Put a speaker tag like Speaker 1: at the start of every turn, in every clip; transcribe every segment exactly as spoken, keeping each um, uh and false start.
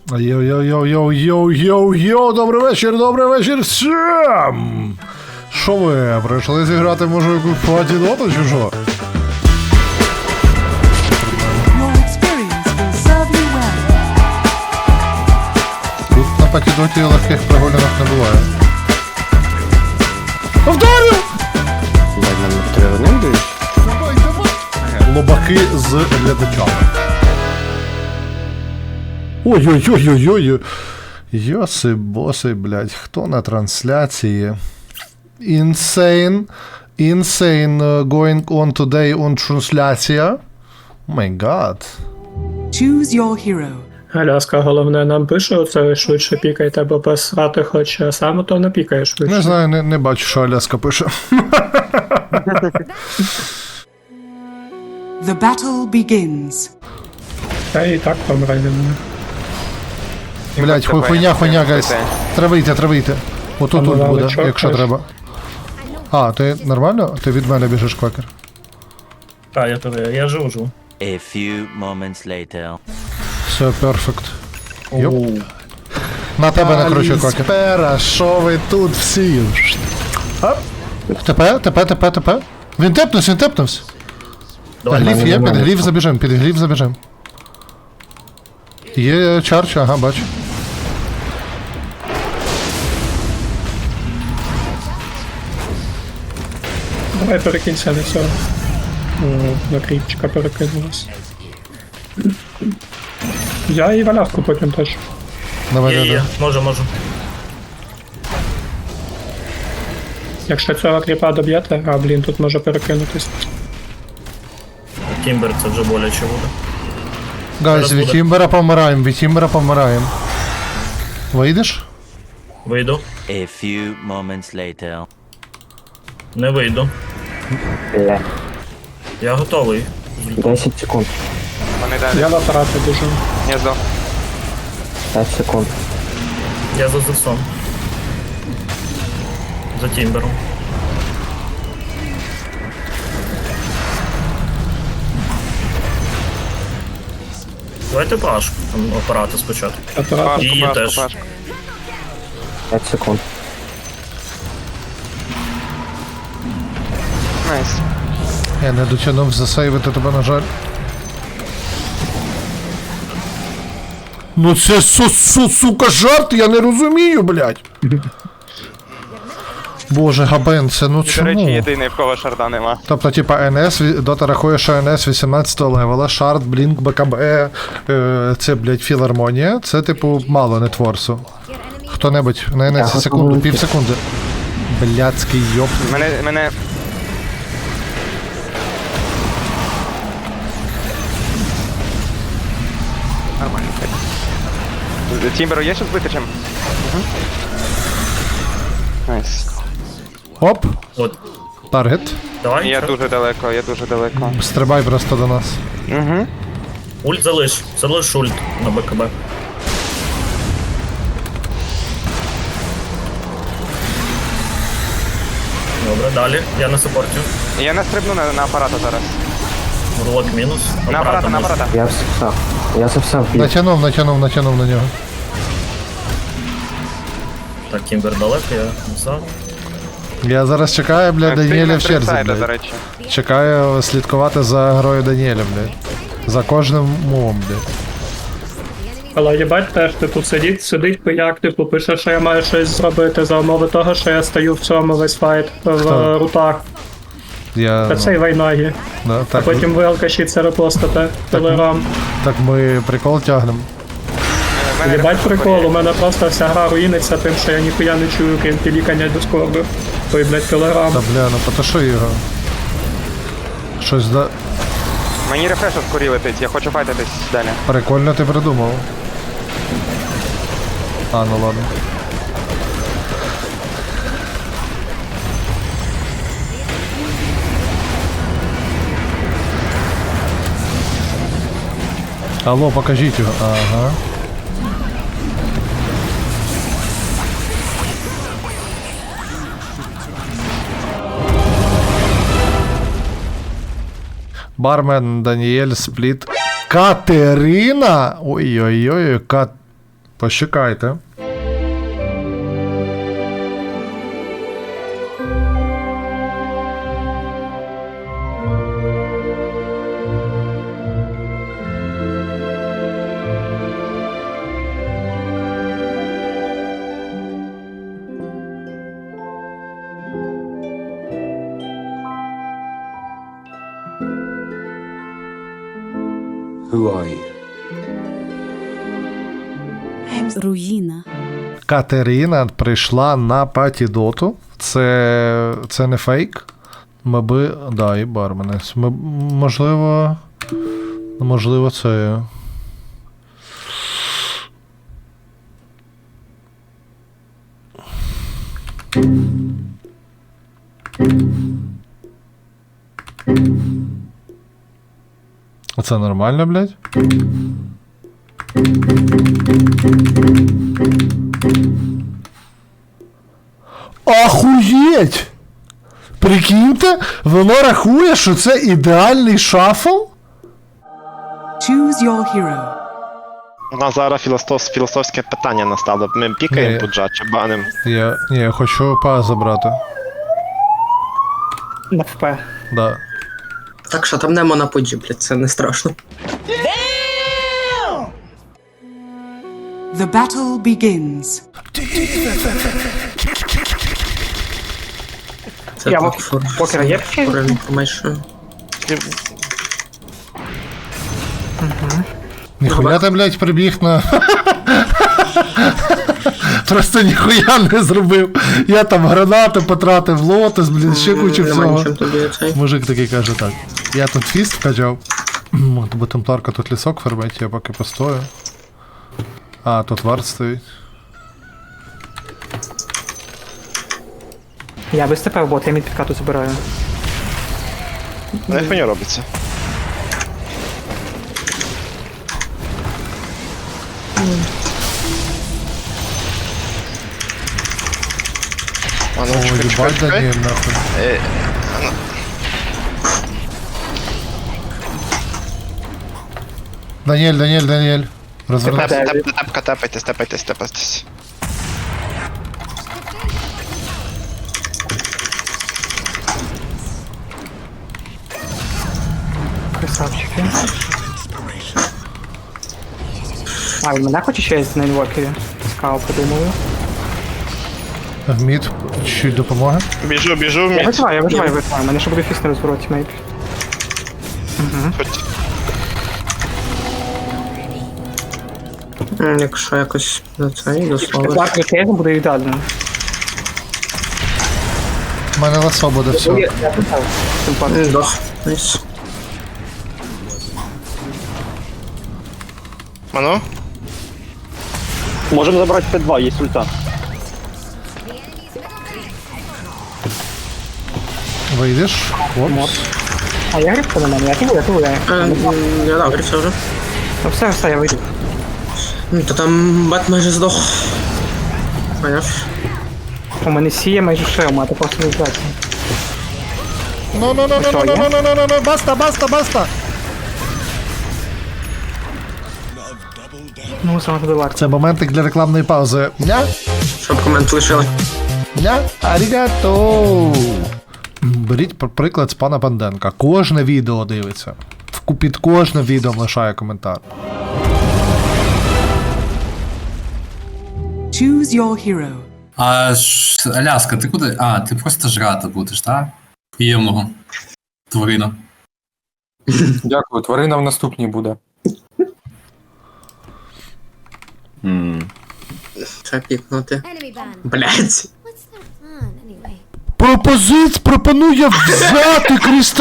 Speaker 1: Йоу-йоу-йоу-йоу-йоу-йоу, добрий вечір, добрий вечір всім! Що ви, прийшли зіграти, може, якусь патідоту чи що? Тут на патідоті легких прогулянок не буває. Повторю! Лобаки з глядачами. Ой-ой-ой-ой-ой. Йоси боси, блядь, хто на трансляції? Insane. Insane uh, going on today on трансляція. О май гад.
Speaker 2: Choose your hero.
Speaker 3: Аляска, головне, нам пише оце швидше пікайте, бо посрати хоче, а саме то не пікає швидше.
Speaker 1: Не знаю, не, не бачу, що Аляска пише.
Speaker 2: The battle begins.
Speaker 3: Та і так помре від мене.
Speaker 1: Блядь, хуй, хуйня, хуйня, гайс. Треба йти, треба йти. Отут тут буде,
Speaker 3: чок,
Speaker 1: якщо
Speaker 3: теж.
Speaker 1: треба. А, ти нормально? Ти від мене біжиш, квакер.
Speaker 4: Так, я туди, я живу, живу.
Speaker 5: A few moments later.
Speaker 1: Все, перфект. Йоп. На тебе накручую, квакер. Спера, що ви тут всі? ТП, ТП, ТП, ТП. Він тепнувся, він тепнувся. Гліф є, під гліф забіжем, під гліф забіжем. Є чарч, ага, бачу.
Speaker 3: Давай перекинься, не все. О, на кріпчика перекинулась. Я і валявку потім теж.
Speaker 1: Давай,
Speaker 4: Є,
Speaker 1: давай,
Speaker 4: є,
Speaker 1: давай.
Speaker 4: можу, можу.
Speaker 3: Якщо цього кріпа доб'єте, а блін, тут може перекинутись.
Speaker 4: Тімбер це вже боляче буде.
Speaker 1: Гайз,
Speaker 4: Зараз
Speaker 1: від
Speaker 4: буде.
Speaker 1: Тімбера помираємо, від Тімбера помираємо. Вийдеш?
Speaker 4: Вийду.
Speaker 5: A few moments later.
Speaker 4: Не вийду.
Speaker 6: Бля,
Speaker 4: Я готовий.
Speaker 6: десять секунд.
Speaker 7: Вони далі.
Speaker 3: Я в апарати біжу.
Speaker 7: Я здох.
Speaker 6: пять секунд.
Speaker 4: Я за Зевсом. За Тімбером. Давайте пашку, там апарати спочатку.
Speaker 3: Апарат.
Speaker 7: Пашку,
Speaker 4: І
Speaker 7: пашку,
Speaker 4: теж.
Speaker 7: пашку.
Speaker 6: пять секунд.
Speaker 7: Найс.
Speaker 1: Я не дотягнув засейвити тебе, на жаль. Ну це су, су, сука жарт, я не розумію, блядь. Боже, Габен, це ну
Speaker 7: До речі,
Speaker 1: чому?
Speaker 7: єдиний, в кого шарда нема.
Speaker 1: Тобто, типа, ен ес, ві- Дота рахує, що ен ес вісімнадцятого левела, шард, блінк, БКБ, е, це, блядь, філармонія, це, типу, мало нетворсу. Хто-небудь, на ен ес
Speaker 6: Я
Speaker 1: секунду,
Speaker 6: готовий.
Speaker 1: пів секунди. Блядський йоп.
Speaker 7: Мене, мене... Нормально. Тімберу є що збити чим? Угу. Найс.
Speaker 1: Оп,
Speaker 4: От,
Speaker 1: таргет.
Speaker 4: давай.
Speaker 7: Я дуже далеко, я дуже далеко.
Speaker 1: Стрибай просто до нас.
Speaker 7: Угу.
Speaker 4: Ульт залиш. Залиш ульт на БКБ. Добре, далі. Я на саппорті.
Speaker 7: Я не стрибну на, на апарата зараз.
Speaker 4: Урлок мінус.
Speaker 7: На апарата, на
Speaker 4: можна.
Speaker 7: апарата.
Speaker 6: Я все, я совсем пью.
Speaker 1: Натягнув, натягнув, натягнув на нього.
Speaker 4: Так, Тімбер далеко, я назад.
Speaker 1: Я зараз чекаю, бля, Даніеля в черзі,
Speaker 7: Сайда, до
Speaker 1: блядь.
Speaker 7: речі.
Speaker 1: Чекаю слідкувати за грою Даніеля, блядь. За кожним мовом, блядь.
Speaker 3: Але їбать теж, типу, сидить, сидить пияк, типу, пише, що я маю щось зробити за умови того, що я стою в цьому весь файт в
Speaker 1: Хто?
Speaker 3: е, рутах.
Speaker 1: Я,
Speaker 3: Та
Speaker 1: ну,
Speaker 3: це й вайнагі.
Speaker 1: да,
Speaker 3: А
Speaker 1: так,
Speaker 3: потім ви алкаші це репостите. Телеграм.
Speaker 1: так ми прикол тягнемо.
Speaker 7: В мене
Speaker 3: Їбать
Speaker 7: рефлекс
Speaker 3: прикол, у
Speaker 7: є.
Speaker 3: мене просто вся гра руїниться тим, що я ніхуя не чую, крім пілікання дискорду. Той, блядь, телеграм.
Speaker 1: Та бля, ну потуши його. Щось да...
Speaker 7: Мені рефреш скорі летить, я хочу файтитись далі.
Speaker 1: Прикольно ти придумав. А, ну ладно. Алло, покажіть його. Ага. Бармен Даніель Спліт. Катерина! Ой-ой-ой, Кат... Почекайте.
Speaker 2: Руїна.
Speaker 1: Катерина прийшла на патідоту. Це. Це не фейк. Ми би. Да, і барменець. Ми, можливо. Можливо, це. Це нормально, блядь? Ахуєть! Прикиньте, воно рахує, що це ідеальний шафл?
Speaker 2: Choose your hero.
Speaker 7: У нас зараз філософ, філософське питання настало. Ми пікаємо
Speaker 1: Ні.
Speaker 7: пуджа чи баним?
Speaker 1: Я. Ні, я хочу па забрати.
Speaker 3: На ФП.
Speaker 1: Да.
Speaker 8: Так що там нема на пуджі, блядь, це не страшно.
Speaker 2: The battle begins.
Speaker 8: Це
Speaker 3: Я
Speaker 8: так,
Speaker 3: в-
Speaker 8: for-
Speaker 3: покер є
Speaker 8: for information.
Speaker 1: Ніхуя ти, блядь, прибіг на. Просто ніхуя не зробив. Я там гранати потратив, лотос, блін, ще кучу
Speaker 8: Нема
Speaker 1: всього.
Speaker 8: нічим тобі цей.
Speaker 1: Мужик такий каже так. Я тут фіст вкачав. Бо темпларка тут лісок фермить, я поки постою. А, тут вард стоїть.
Speaker 3: Я без ТП в бот, я мід підкату забираю.
Speaker 7: Не хуйня робиться. А ну,
Speaker 1: О,
Speaker 7: чекай, чекай,
Speaker 1: їбать,
Speaker 7: чекай.
Speaker 1: Даніель, нахуй.
Speaker 7: Е,
Speaker 1: Даніель, Даніель, Даніель. Розвернувся.
Speaker 7: Теп- теп- Тепка, тепайтесь, тепайтесь, тепайтесь.
Speaker 3: Красавчики. А, він мене хоче ще на інвокері? Скау подумали.
Speaker 1: В мід, чуть допомоги.
Speaker 7: Біжу, біжу в
Speaker 3: Я
Speaker 7: мід.
Speaker 3: виживаю, я виживаю, я виживаю. У мене ще буде фіст на розвороті, мейб.
Speaker 7: Хоч-
Speaker 8: М, Якщо якось за цей дословиш.
Speaker 3: Так, кейзом буде ідеально.
Speaker 1: У мене ласо буде все.
Speaker 3: Я я питав. Симпатично.
Speaker 8: М, Дох. Найс.
Speaker 7: А ну?
Speaker 9: Можем забрать П два, есть ульта.
Speaker 1: Вийдеш. Опс.
Speaker 3: А я грибку на мене, я кину, я кину, я.
Speaker 8: Е, м, Я дав грифся вже.
Speaker 3: Ну все, все, я вийду.
Speaker 8: Ну, то там бат майже здох. Поняв?
Speaker 3: У мене сіє майже шелма, а ти просто не здається.
Speaker 1: Ну, ну, ну, ну, ну, ну, ну, ну, ну, ну, баста, баста, баста.
Speaker 3: Ну, саме туди варто.
Speaker 1: Це моментик для рекламної паузи. Ня?
Speaker 8: Щоб комент лишили.
Speaker 1: Ня? Арігато. Беріть пр- приклад з пана Банденка. Кожне відео дивиться. В- Під кожним відео лишає коментар.
Speaker 2: Choose your hero.
Speaker 10: А ш- Аляска, ти куди? А, ти просто жрати будеш, так? Приємного. Тварина.
Speaker 6: Дякую, тварина в наступній буде.
Speaker 8: Треба пікнути. Блять.
Speaker 1: Пропозиць пропонує взяти Кріста.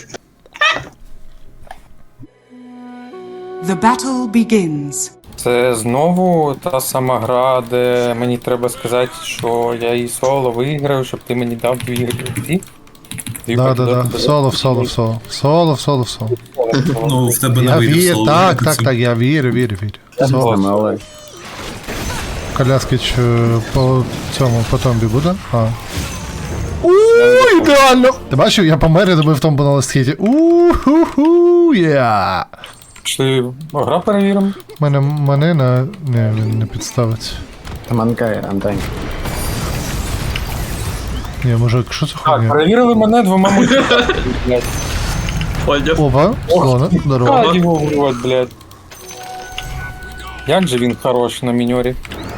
Speaker 2: The battle begins.
Speaker 6: Це знову та сама гра, де мені треба сказати, що я і соло виграю, щоб ти мені дав дві гри.
Speaker 1: Да, да, да. В соло, в соло, в соло. В соло, в соло, в соло.
Speaker 10: Ну, в тебе не
Speaker 1: Я
Speaker 10: вийде в
Speaker 1: вірю,
Speaker 10: соло
Speaker 1: так,
Speaker 10: виграти
Speaker 1: так,
Speaker 10: цю.
Speaker 1: так, я вірю, вірю, вірю. Соло. Коляскич е, по цьому, по томбі буде? А. Ууу, ідеально! Ти бачив, я помер і добив томбу на ластхіті. Ууу-ху-ху, я.
Speaker 6: Пішли гра перевіримо.
Speaker 1: Мене, мене на... Не, він не підставиться. Ні, може, що це
Speaker 6: Так,
Speaker 1: хуйня?
Speaker 6: перевірили мене двома мультиками, блядь.
Speaker 1: Опа, слона, здорово.
Speaker 6: А, його в рот, блядь. Як же він хорош на міньорі.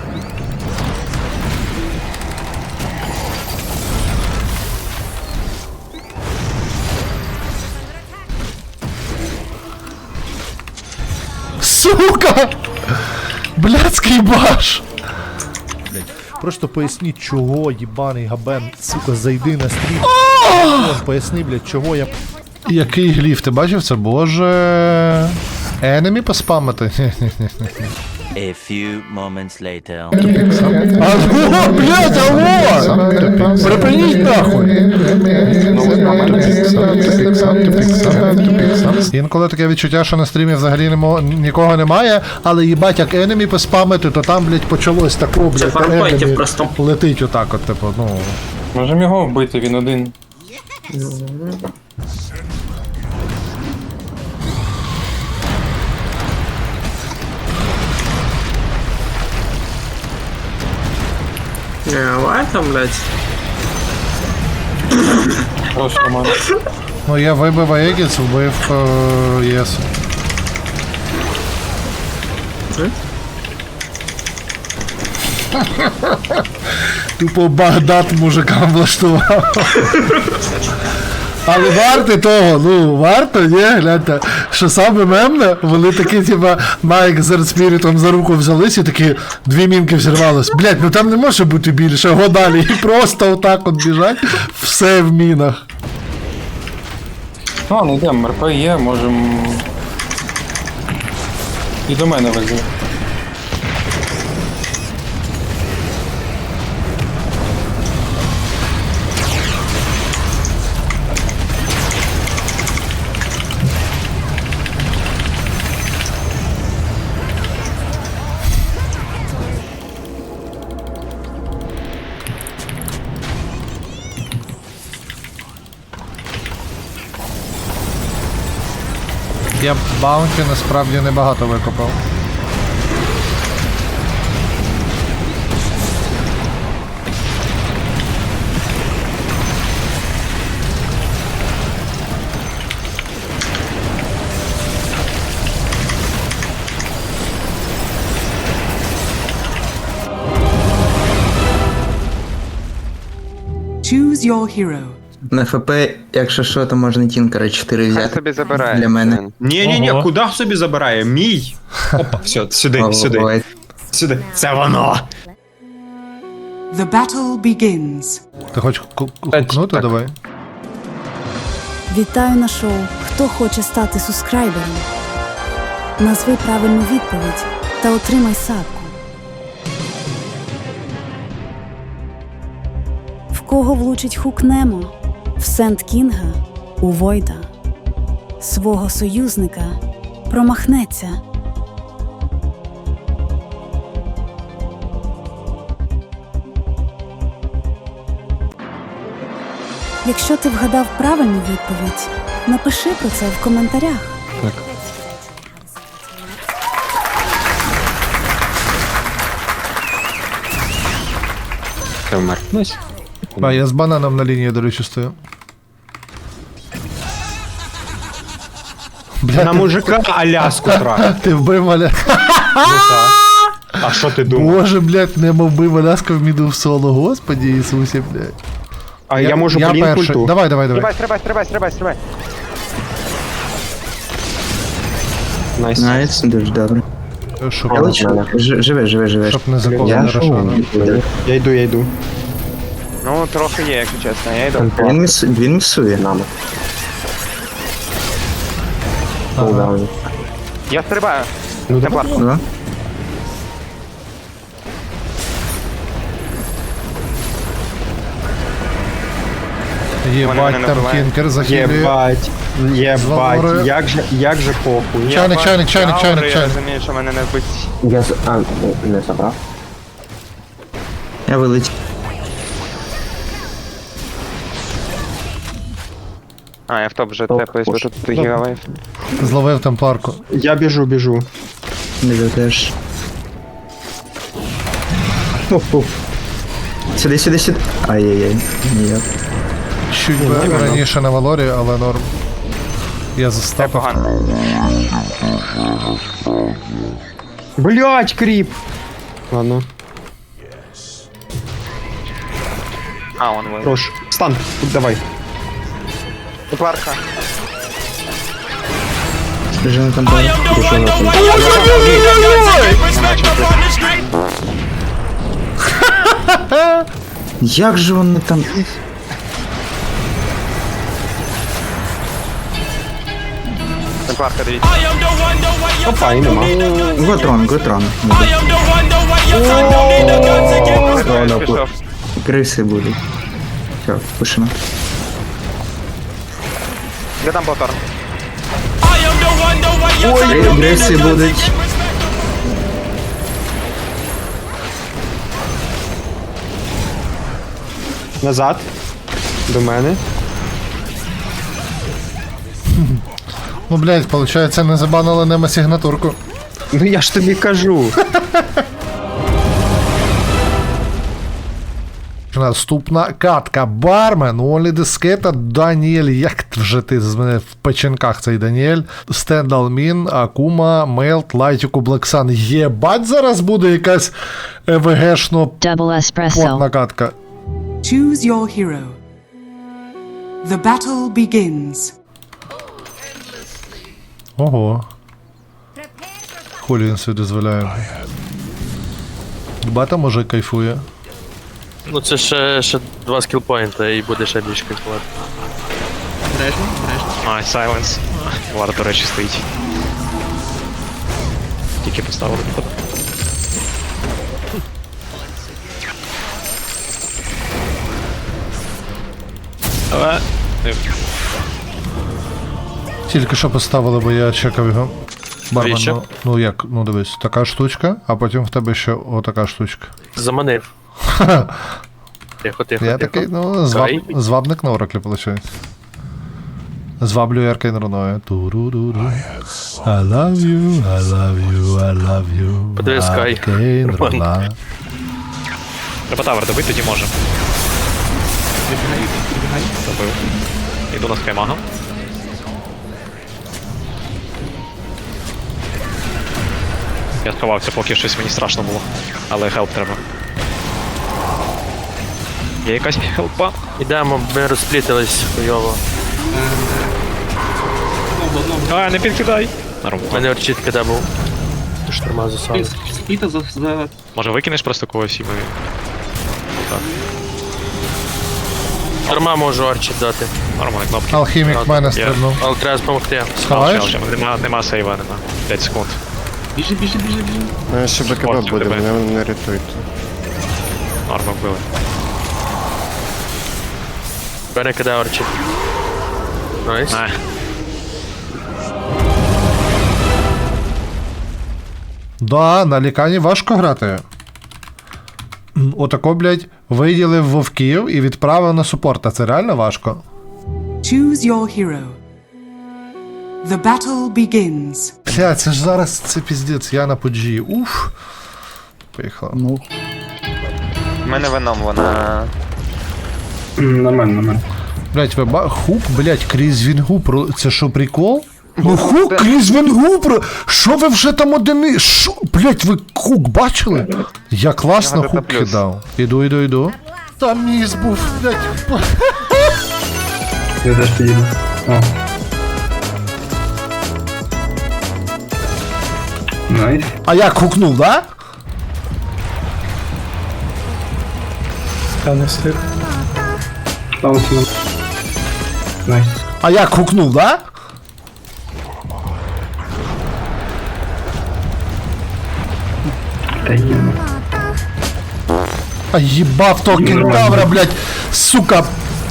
Speaker 1: Сука! Блядський баш! Просто поясніть, чого їбаний габен, сука, зайди на стрім. Поясни, блядь, чого я... Який гліф, ти бачив це? Боже... Енемі поспамити?
Speaker 5: A few moments later.
Speaker 1: Алло, блядь, алло! Припиніть нахуй! Інколи таке відчуття, що на стрімі взагалі немо- нікого немає, але їбать, як енемі поспамити, то там, блядь, почалось тако, блядь,
Speaker 8: фармфайтів
Speaker 1: енемі
Speaker 8: просто.
Speaker 1: летить отак от, типу, ну...
Speaker 6: Можемо його вбити, він один.
Speaker 8: Не, давай там, блядь.
Speaker 6: Хороший Роман.
Speaker 1: Ну, я вибив Аегіс, вбив е, ЄС. Тупо Багдад мужикам влаштував. Але варто того, ну, варто, ні, гляньте, що саме мемне, вони такі, типа, Майк з Редспірітом за руку взялись і такі, дві мінки взірвались. Блять, ну там не може бути більше, го далі, і просто отак от біжать, все в мінах.
Speaker 6: Ну, не йдемо, РП є, можемо... І до мене вези.
Speaker 1: Я баунті насправді небагато викопав.
Speaker 2: Choose your hero.
Speaker 8: На ФП, якщо що, то можна Тінкера чотири
Speaker 7: Хай
Speaker 8: взяти.
Speaker 7: собі забирає.
Speaker 8: Для мене.
Speaker 9: Ні, ні, ні,
Speaker 3: Ого.
Speaker 9: куди собі забирає? Мій. Опа, все, сюди, сюди,
Speaker 8: Ой,
Speaker 9: сюди. Це воно.
Speaker 2: The battle begins.
Speaker 1: Ти хочеш ку- кукнути?
Speaker 9: Так.
Speaker 1: Давай.
Speaker 11: Вітаю на шоу. Хто хоче стати субскрайбером? Назви правильну відповідь та отримай садку. В кого влучить хук Немо? В Сент Кінга? У Войда. Свого союзника промахнеться. Якщо ти вгадав правильну відповідь, напиши про це в коментарях.
Speaker 9: Ти вмер.
Speaker 1: А, я з бананом на лінії, до речі, стою. Бля,
Speaker 9: На
Speaker 1: ти,
Speaker 9: мужика Аляску трахав.
Speaker 1: ти вбив Маля.
Speaker 9: Ну так. А що ти думав?
Speaker 1: Боже, блядь, Немо вбив Аляску в міду в соло, господі Ісусі, блядь.
Speaker 9: А я можу
Speaker 1: я
Speaker 9: блін
Speaker 1: перший.
Speaker 9: культу.
Speaker 1: Давай, давай, давай.
Speaker 7: Стрибай, стрибай, стрибай, стрибай, стрибай.
Speaker 9: Найс.
Speaker 8: Найс, дуже добре.
Speaker 1: Щоб,
Speaker 8: Я лечу. Ж- Живе, живе, живе.
Speaker 1: щоб не закон
Speaker 8: Я
Speaker 1: не рашано.
Speaker 9: Я йду, я йду.
Speaker 7: Ну, трохи є, якщо чесно, я йду.
Speaker 8: Він, міс... він місує нами.
Speaker 1: Ага.
Speaker 7: Я стрибаю.
Speaker 9: Ну,
Speaker 7: Темплар.
Speaker 8: Да?
Speaker 7: Вони
Speaker 1: Єбать,
Speaker 7: мене
Speaker 1: там
Speaker 7: набивають.
Speaker 1: кінкер захилює.
Speaker 9: Єбать.
Speaker 1: Зламори.
Speaker 9: Єбать. Як же, як же похуй.
Speaker 1: Чайник,
Speaker 7: Я
Speaker 1: чайник,
Speaker 7: бачу
Speaker 1: чайник,
Speaker 7: аури,
Speaker 1: чайник,
Speaker 7: Я
Speaker 1: чайник.
Speaker 7: розумію, що мене не вбить.
Speaker 8: Я з... А, не забрав. Я вилетів.
Speaker 7: А, я в топ вже тепаюсь, бо тут гігавайф.
Speaker 1: Зловив темпларку.
Speaker 9: Я біжу, біжу.
Speaker 8: Не теж. Оп-оп. Сюди, сюди, сюди. Ай-яй-яй. Ніяк.
Speaker 1: Чуть би раніше на Валорі, але норм. Я
Speaker 7: Це
Speaker 1: застав.
Speaker 7: погано.
Speaker 9: Блять, кріп! Ладно,
Speaker 7: А, он ви.
Speaker 9: хорош. Стан, давай.
Speaker 7: Темпларка.
Speaker 8: Жена там бар. Як же вони там?
Speaker 7: Темпларка, дивіться.
Speaker 9: Опа, і нема.
Speaker 8: Готрон, готрон.
Speaker 7: Пішов, пішов.
Speaker 8: Криси будуть. Все, пишемо.
Speaker 7: Де там Блаторн?
Speaker 8: Криси будуть.
Speaker 9: Назад. До мене.
Speaker 1: Ну, блядь, получається, не забанили нема сигнатурку.
Speaker 9: Ну я ж тобі кажу.
Speaker 1: Наступна катка. Бармен, Олі Дискета, Даніель. Як вже ти з мене в печенках цей Даніель? Стендалмін, Акума, Мелт, Лайтіку, Блексан. Єбать, зараз буде якась ЕВГшно потна катка.
Speaker 2: Choose your hero. The battle begins.
Speaker 1: Ого. Хулі він собі дозволяє. Бата може кайфує.
Speaker 12: Ну це ще, ще два скілпоінта і буде ще більш кайфувати.
Speaker 9: Ай, сайленс. Вард, до речі, стоїть. Тільки поставили виход. Але...
Speaker 1: Тільки що поставили, бо я чекав його. Бармен,
Speaker 12: Навіщо?
Speaker 1: ну, ну як, ну дивись, така штучка, а потім в тебе ще отака штучка.
Speaker 12: Заманив. Тихо, тихо,
Speaker 1: Я
Speaker 12: тихо.
Speaker 1: такий, ну, зваб,
Speaker 12: Кай.
Speaker 1: звабник на Ораклі, виходить. Зваблюю Аркейн руною. Туру-ру-ру. I love you, I love you, I love you.
Speaker 12: Подивись, Кай.
Speaker 1: Аркейн
Speaker 12: Роман.
Speaker 1: руна.
Speaker 9: Треба тавер добити, тоді можемо. Добив. Іду на скаймага. Я сховався, поки щось мені страшно було. Але хелп треба. Є якась хелпа?
Speaker 12: Ідемо, ми розплітились хуйово.
Speaker 9: А, не підкидай! Норм.
Speaker 12: У мене орчітка де був. Ти шторма засали.
Speaker 9: Може викинеш просто когось і ми... Так,
Speaker 12: Шторма можу орчіт дати.
Speaker 9: нормальні кнопки.
Speaker 1: Алхімік в мене стрибнув.
Speaker 12: Але треба допомогти.
Speaker 1: Сховаєш?
Speaker 9: Ще, ще, Нема, нема сейва, нема. п'ять секунд.
Speaker 7: Ну, ще
Speaker 9: БКБ буде, мене
Speaker 7: не рятуйте.
Speaker 9: Норма вбили.
Speaker 12: Бере киде орчіт. Найс.
Speaker 9: Не.
Speaker 1: Да, на лікані важко грати. М, Отако, блядь, виділив вовків і відправив на супорт. А це реально важко.
Speaker 2: Choose your hero. The battle begins.
Speaker 1: Бля, це ж зараз це піздець, я на поджі. Уф. Поїхала.
Speaker 8: Ну.
Speaker 7: У мене веном, вона...
Speaker 3: Нормально, нормально.
Speaker 1: Блять, ви ба... Хук, блять, крізь вінгу про. Це що, прикол? Ну хук крізь вінгу про. Що ви вже там одини? Що? Блять, ви хук бачили? Я класно
Speaker 7: Ага,
Speaker 1: хук
Speaker 7: плюс.
Speaker 1: кидав. Іду, іду, іду. Там міс був, блять.
Speaker 3: Я теж підійду. О. Найс.
Speaker 1: А як хукнув, да?
Speaker 3: Та не встиг. Паузу. Найс.
Speaker 1: А як хукнув, да?
Speaker 3: Та є.
Speaker 1: А їбав того кентавра, блять, сука.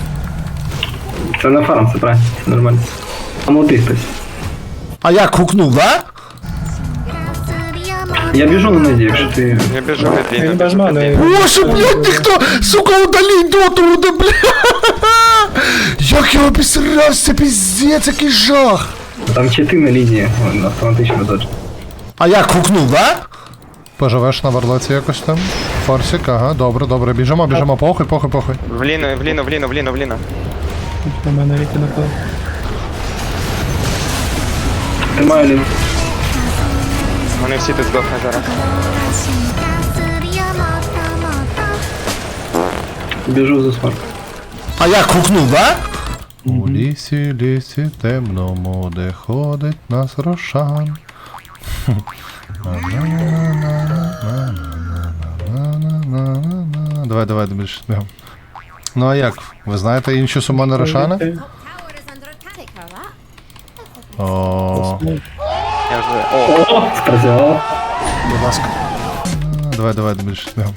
Speaker 3: Це на фарм, це правильно. Це нормально. А молодий хтось.
Speaker 1: А як хукнув, да?
Speaker 3: Я біжу на низі, якщо ти...
Speaker 7: Я біжу на дві.
Speaker 3: Він без мене.
Speaker 1: Боже, блядь, ніхто, сука, удаліть доту, буде, бля. Як я обісрався, піздець, який жах.
Speaker 3: Там чити на лінії, автоматично додж.
Speaker 1: А як хукнув, да? Поживеш на варлоці якось там? Форсик, ага, добре, добре, біжимо, біжимо, похуй, похуй, похуй.
Speaker 7: В ліну, в ліну, в ліну, в ліну, в ліну.
Speaker 3: На мене віки напав. Тримаю лін.
Speaker 7: Вони всі тут здохнуть зараз.
Speaker 3: Біжу за смарт.
Speaker 1: А як хукнув, да? У лісі, лісі темному, де ходить нас Рошан. Давай, давай, більше бігом. Ну а як? Ви знаєте інші сумони Рошана? О,
Speaker 7: Я вже... О,
Speaker 3: О, спрацювало.
Speaker 1: будь ласка. Давай, давай, більше бігом.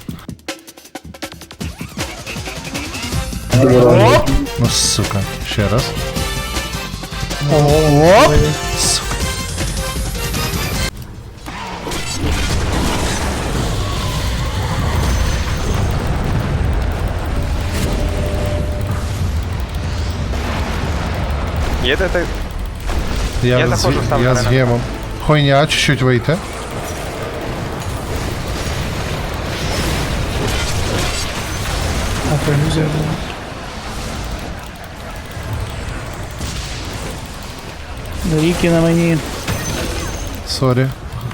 Speaker 1: Оп! Ну, сука, ще раз. Оп! Сука.
Speaker 7: є де ти?
Speaker 1: Я,
Speaker 7: Я
Speaker 1: з,
Speaker 7: заходжу, ставлю
Speaker 1: я
Speaker 7: на
Speaker 1: з
Speaker 7: мене.
Speaker 1: гемом. Хуйня, чуть-чуть вийти.
Speaker 3: Ріки на мені.
Speaker 1: Сорі.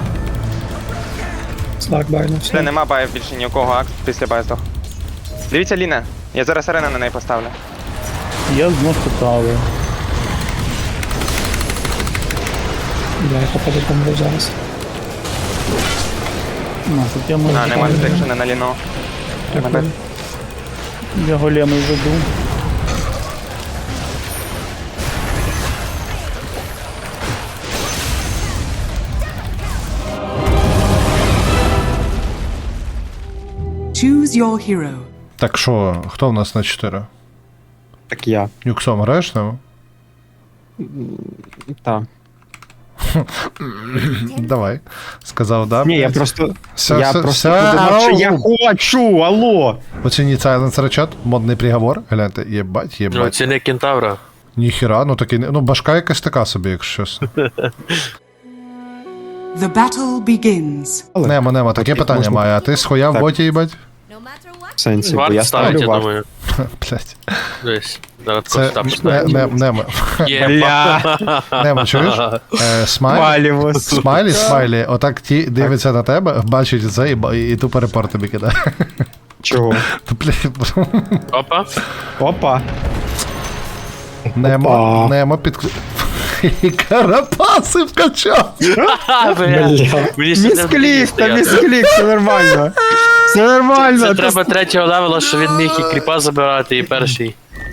Speaker 3: Слак байно,
Speaker 7: Все,
Speaker 3: все.
Speaker 7: нема баїв більше ні у кого, акт після баю здох. Дивіться Ліна, я зараз арена на неї поставлю.
Speaker 3: Я знов поставив. Бля, я походу помру зараз. Ну, тут я можу...
Speaker 7: А, нема детекшена на Ліно.
Speaker 3: Дякую. Я големи веду.
Speaker 2: Choose your hero.
Speaker 1: Так що, хто в нас на чотири?
Speaker 6: Так я.
Speaker 1: Нюксом граєш там?
Speaker 6: Так.
Speaker 1: Давай. Сказав, да?
Speaker 6: Ні, я
Speaker 1: блядь?
Speaker 6: просто.
Speaker 1: Все,
Speaker 6: я
Speaker 1: все,
Speaker 6: просто
Speaker 1: все,
Speaker 6: подумав, що я
Speaker 1: ау.
Speaker 6: хочу, алло!
Speaker 1: Оцініть Silence Речат, модний приговор. Гляньте, єбать,
Speaker 12: Ну,
Speaker 1: єбать.
Speaker 12: це не кентавра.
Speaker 1: Ніхіра, ну такий, не- ну башка якась така собі, якщо чесно.
Speaker 2: The battle begins.
Speaker 1: Немо, Немо, таке питання має, а ти схуя в
Speaker 6: Так.
Speaker 1: боті, їбать?
Speaker 6: В сенсі, бо
Speaker 12: Варт
Speaker 6: я
Speaker 12: ставить,
Speaker 6: ставлю
Speaker 12: я
Speaker 6: варт.
Speaker 12: думаю.
Speaker 1: Блять.
Speaker 12: Десь. Зараз
Speaker 1: Це
Speaker 12: тако там
Speaker 1: не, не, Немо.
Speaker 12: Є.
Speaker 1: Немо, чуєш? Е, смайль.
Speaker 6: Валівус.
Speaker 1: Смайлі, смайлі, отак ті дивиться на тебе, бачить це і, ба- і тупо репорт тобі кидає.
Speaker 6: Чого?
Speaker 1: Та, блядь,
Speaker 12: Опа.
Speaker 6: Опа.
Speaker 1: Немо,
Speaker 6: Опа.
Speaker 1: Немо під... І карапаси вкачав!
Speaker 12: Ха, бля. Мені ще не
Speaker 6: Місклік, та
Speaker 12: стояти.
Speaker 6: місклік, все нормально. Все нормально.
Speaker 12: Це
Speaker 6: ти
Speaker 12: треба третього левела, що він міг і кріпа забирати, і перший.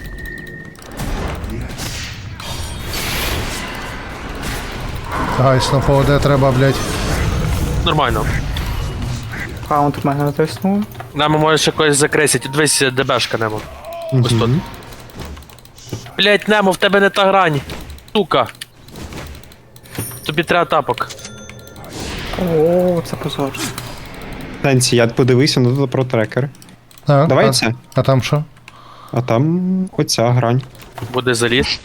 Speaker 1: Гайс, ну по ОД треба, блядь.
Speaker 12: Нормально.
Speaker 3: Каунт в мене натиснув.
Speaker 12: Нам може ще когось закресить. Дивись, ДБшка Немо. Ось тут. Блять, Немо, в тебе не та грань. Сука. Тобі треба тапок.
Speaker 3: О, це позор.
Speaker 6: Сенсі, я подивився на тут про трекер.
Speaker 1: А,
Speaker 6: Давай
Speaker 1: а,
Speaker 6: це.
Speaker 1: А там що?
Speaker 6: А там оця грань.
Speaker 12: Буде заліз.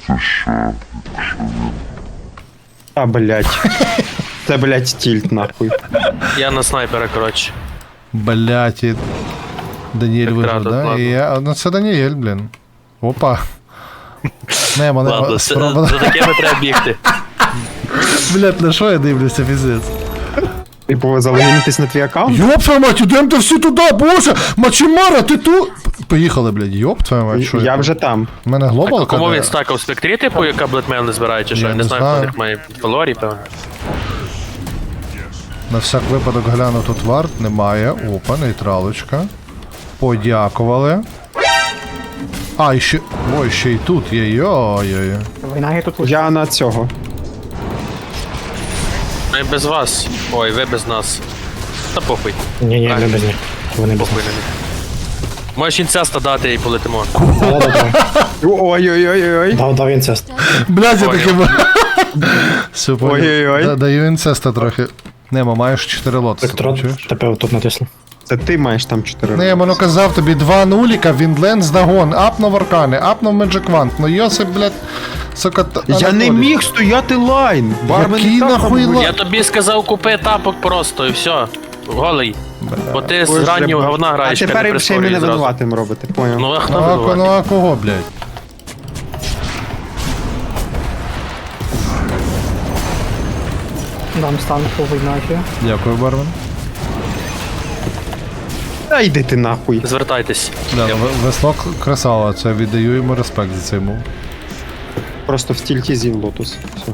Speaker 6: А, блять. Це, блять, тільт, нахуй.
Speaker 12: Я на снайпера, коротше.
Speaker 1: Блять, і... Даніель
Speaker 12: Як
Speaker 1: виграв,
Speaker 12: крадуть,
Speaker 1: да?
Speaker 12: ладно.
Speaker 1: І я... Ну це Даніель, блін. Опа. Немо, Немо,
Speaker 12: Ладно, це-
Speaker 1: спроба...
Speaker 12: за такими треба бігти.
Speaker 1: Блять, на що я дивлюся, піздець?
Speaker 6: Типу, залогінитись на твій аккаунт?
Speaker 1: Йоп твою мать, ідемте всі туди, боже! Мачимара, ти тут? Поїхали, блядь, йоп твою мать, що
Speaker 6: Я
Speaker 1: це?
Speaker 6: вже там.
Speaker 1: У мене глобал
Speaker 12: Кому
Speaker 1: кидає?
Speaker 12: він стакав в спектрі, типу, яка Блетмейл не збирає, чи що?
Speaker 1: Я
Speaker 12: Я
Speaker 1: не
Speaker 12: не знаю,
Speaker 1: знаю.
Speaker 12: хто в них має Фалорі, певно.
Speaker 1: На всяк випадок гляну, тут варт немає. Опа, нейтралочка. Подякували. А, і ще... Ой, ще й тут є, йой-йой.
Speaker 3: Війна тут лише.
Speaker 6: Я на цього.
Speaker 12: Ми без вас. Ой, ви без нас. Та похуй.
Speaker 3: Ні, ні,
Speaker 12: не
Speaker 3: без них. Вони без
Speaker 12: Похуй на них. Можеш інцеста дати і полетимо.
Speaker 6: Ой-ой-ой-ой.
Speaker 3: Дав, дав інцест.
Speaker 1: Блядь, я
Speaker 12: Ой,
Speaker 1: таки... Все, понял.
Speaker 6: Ой-ой-ой.
Speaker 1: Да- Даю інцеста трохи. Немо, маєш чотири лотоси, чуєш?
Speaker 3: Тебе тут натисли.
Speaker 7: Це ти маєш там чотири.
Speaker 1: Немо, ну казав тобі, два нуліка, Віндлен здагон, апнув аркани, апнув Меджик Вант. Ну Йосип, блядь, сука, т-
Speaker 7: Я не
Speaker 1: Анатолій.
Speaker 7: міг стояти лайн! Бармен
Speaker 1: Який
Speaker 7: і так
Speaker 1: нахуй
Speaker 7: там
Speaker 1: лайн?
Speaker 12: Я тобі сказав, купи тапок просто і все. Голий. Бо ти з
Speaker 7: Боже,
Speaker 12: раннього
Speaker 7: ба-
Speaker 12: говна
Speaker 7: А
Speaker 12: граєш, не
Speaker 7: тепер ще й
Speaker 12: прискорюй
Speaker 7: мене
Speaker 12: зразу.
Speaker 7: винуватим робите, поняв?
Speaker 12: Ну а хто
Speaker 1: Ну а, ко- ну
Speaker 12: винуватий?
Speaker 1: а кого, блядь?
Speaker 3: Дам стан по війнаті.
Speaker 1: Дякую, бармен.
Speaker 7: Та йди ти нахуй.
Speaker 12: Звертайтесь.
Speaker 1: Да, ну, В- Весло к- красава, це віддаю йому респект за цей мув.
Speaker 7: Просто в стільті зів лотус. Все.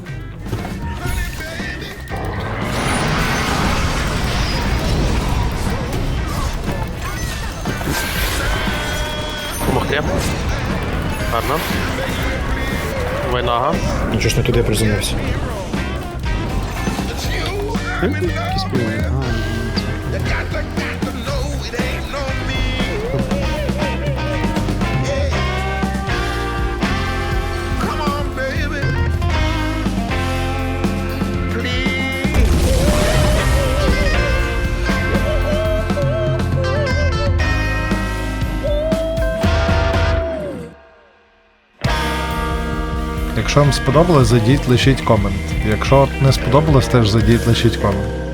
Speaker 12: Помогти. Гарно. Вайнага.
Speaker 3: Нічого ж не туди приземлився.
Speaker 7: Якісь півні.
Speaker 1: Якщо вам сподобалось, зайдіть, лишіть комент. Якщо не сподобалось, теж зайдіть, лишіть комент.